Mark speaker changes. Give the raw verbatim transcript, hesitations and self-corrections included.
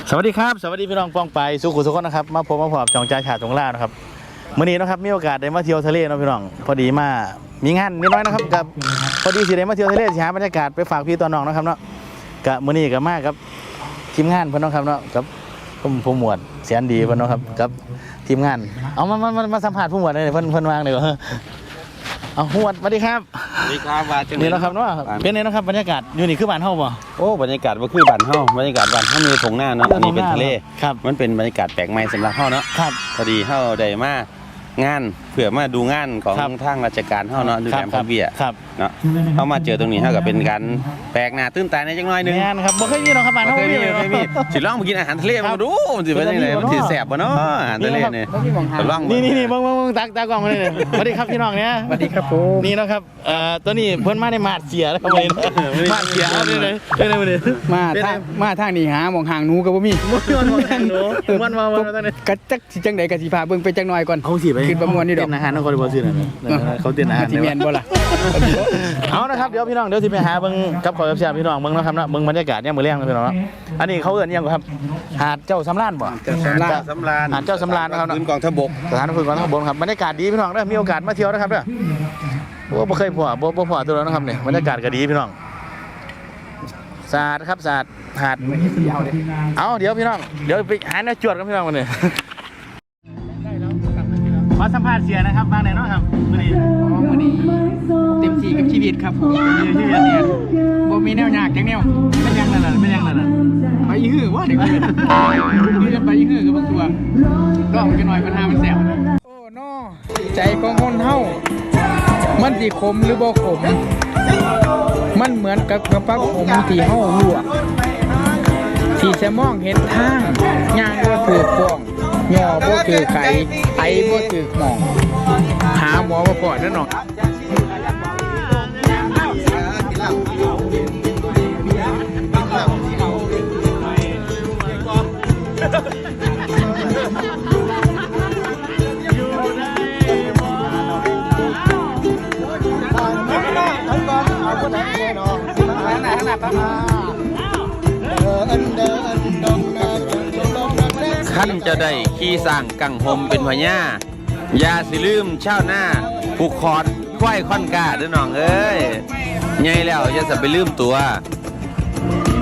Speaker 1: สวัสดีครับสวัสดีพี่น้องป้องไปสุขุสุขคนนะครับมาพบมาพบจองใจฉาดจงล่านะครับมื้อนี้นะครับมีโอกาสได้มาเที่ยวทะเลนะพี่น้องพอดีมามีงานนิดน้อยนะครับกับพอดีสิได้มาเที่ยวทะเลสิหาบรรยากาศไปฝากพี่ตัวน้องนะครับเนาะกับมื้อนี้ก็มากับทีมงานเพิ่นเนาะครับเนาะกับผมผู้หมวดเสียนดีเพิ่นเนาะครับกับทีมงานเอามามามาสัมภาษณ์ผู้หมวดเลยเพิ่นเพิ่นวางเลยเอาผู้หมวดสวัสดีครับ
Speaker 2: สวัสดีครับว่าจัง
Speaker 1: นี่นะครับเนาะเป็นไงนะครับบรรยากาศอยู่นี่คือบ้านเฮาบ่
Speaker 2: โอ้บรรยากาศว่าคือบ้านเฮาบรรยากาศบ้านเฮามีถงหน้าเนาะอันนี้เป็นทะเล
Speaker 1: ครับ
Speaker 2: มันเป็นบรรยากาศแปลกใหม่สำหรับเฮาเนาะ
Speaker 1: ครับ
Speaker 2: พอดีเฮาได้มางานเพื่อมาดูงานของทางราชการเฮาเนาะดูแลพระเบี้ยเนาะเฮามาเจอตรงนี้เฮาก็เป็นการแปลกหน้าตื่นตาในจังน้อยนึง
Speaker 1: งานครับบ่เคยมีเนาะครับบ้านเฮา
Speaker 2: เคยมีเคยมีสิลองมากินอาหารทะเลมาดูสิเป็นจังได๋มันสิแซ่บบ่เนาะอาหารทะเลนี่ลอง
Speaker 1: นี่นี่ๆๆเบิ่งๆๆตักตากล้องมาเลยสวัสดีครับพี่น้องเนี่ย
Speaker 3: สวัสดีครับผม
Speaker 1: นี่นะครับเอ่อตัวนี้เพิ่นมาในมาดเสียแล้วครับวันนี้มาดเสียเอาเลยเลยเลยวันนี้
Speaker 3: มาทางมาทางนี้หาหม่องห่างหนูก็บ่มี
Speaker 1: มันมองทางหนูมันมาๆตอนนี้
Speaker 3: กะจักสิจังได๋ก็สิพาเบิ่งไปจักหน่อยก่อน
Speaker 1: เขาสิไป
Speaker 3: ขึ้นประมวลนี่ดอก
Speaker 1: เต้นอาหารนครบ่ซื่อนั่นเขาเต้นอาหาร
Speaker 3: สิแม่นบ่ล่ะ
Speaker 1: เอานะครับเดี๋ยวพี่น้องเดี๋ยวสิไปหาเบิ่งกับขอเสียพี่น้องเบิ่งนะครับเนาะเบิ่งบรรยากาศยามมื้อแลงพี่น้องเนาะอันนี้เขาเอิ้นหยังครับหาดเจ้าสำราญบ่
Speaker 2: สำราญสำราญ
Speaker 1: หาดเจ้าสำราญนะครับเนาะ
Speaker 2: พื้นกองทพบก
Speaker 1: สถานฝึกกองทัพบกครับบรรยากาศดีพี่น้องเด้อมีโอกาสมาเที่ยวนะครับเด้อโอ้บ่เคยพอบ่บ่พอตัวแล้วนะครับเนี่ยบรรยากาศก็ดีพี่น้องสะอาดครับสะอาดหาดเอาเดี๋ยวพี่น้องเดี๋ยวไปหาแนวจวดกันพี่น้องวันนี้ขอสัมภาษณ์เสียนะครับบ้างไหนเนาะครับมื้อนี้
Speaker 3: อ๋อมื้อนี้เต็มที่กับชีวิตครับผมชีวิตเนี่ยบ่มีแนวยากจังแนว
Speaker 1: เป็นยังนั่นน่ะเป็นยังนั่นน่ะ
Speaker 3: ไปอีหื้อว่าเด็กเพิ่นนี่จะไปอีหื้อกับบางตัวรอบกันหน่อยปัญหามันแซ่บโอ้น้อใจของคนเฮามันสิขมหรือบ่ขมมันเหมือนกับกระปักขมที่เฮาลวกที่จะมองเห็นทางย่างบ่ถือฟ้องย่อบ่ถือไก่ไอบ่ถือหมองหาหมอมาก่อนนั่นเนาะ
Speaker 2: ขั้นจะได้ขี่สร้างกังหมเป็นพญาอย่าสิลืมชาวหน้าผูกคอดควายค่อนกาเด้อน้องเอ้ยใหญ่แล้วอย่าสิไปลืมตัว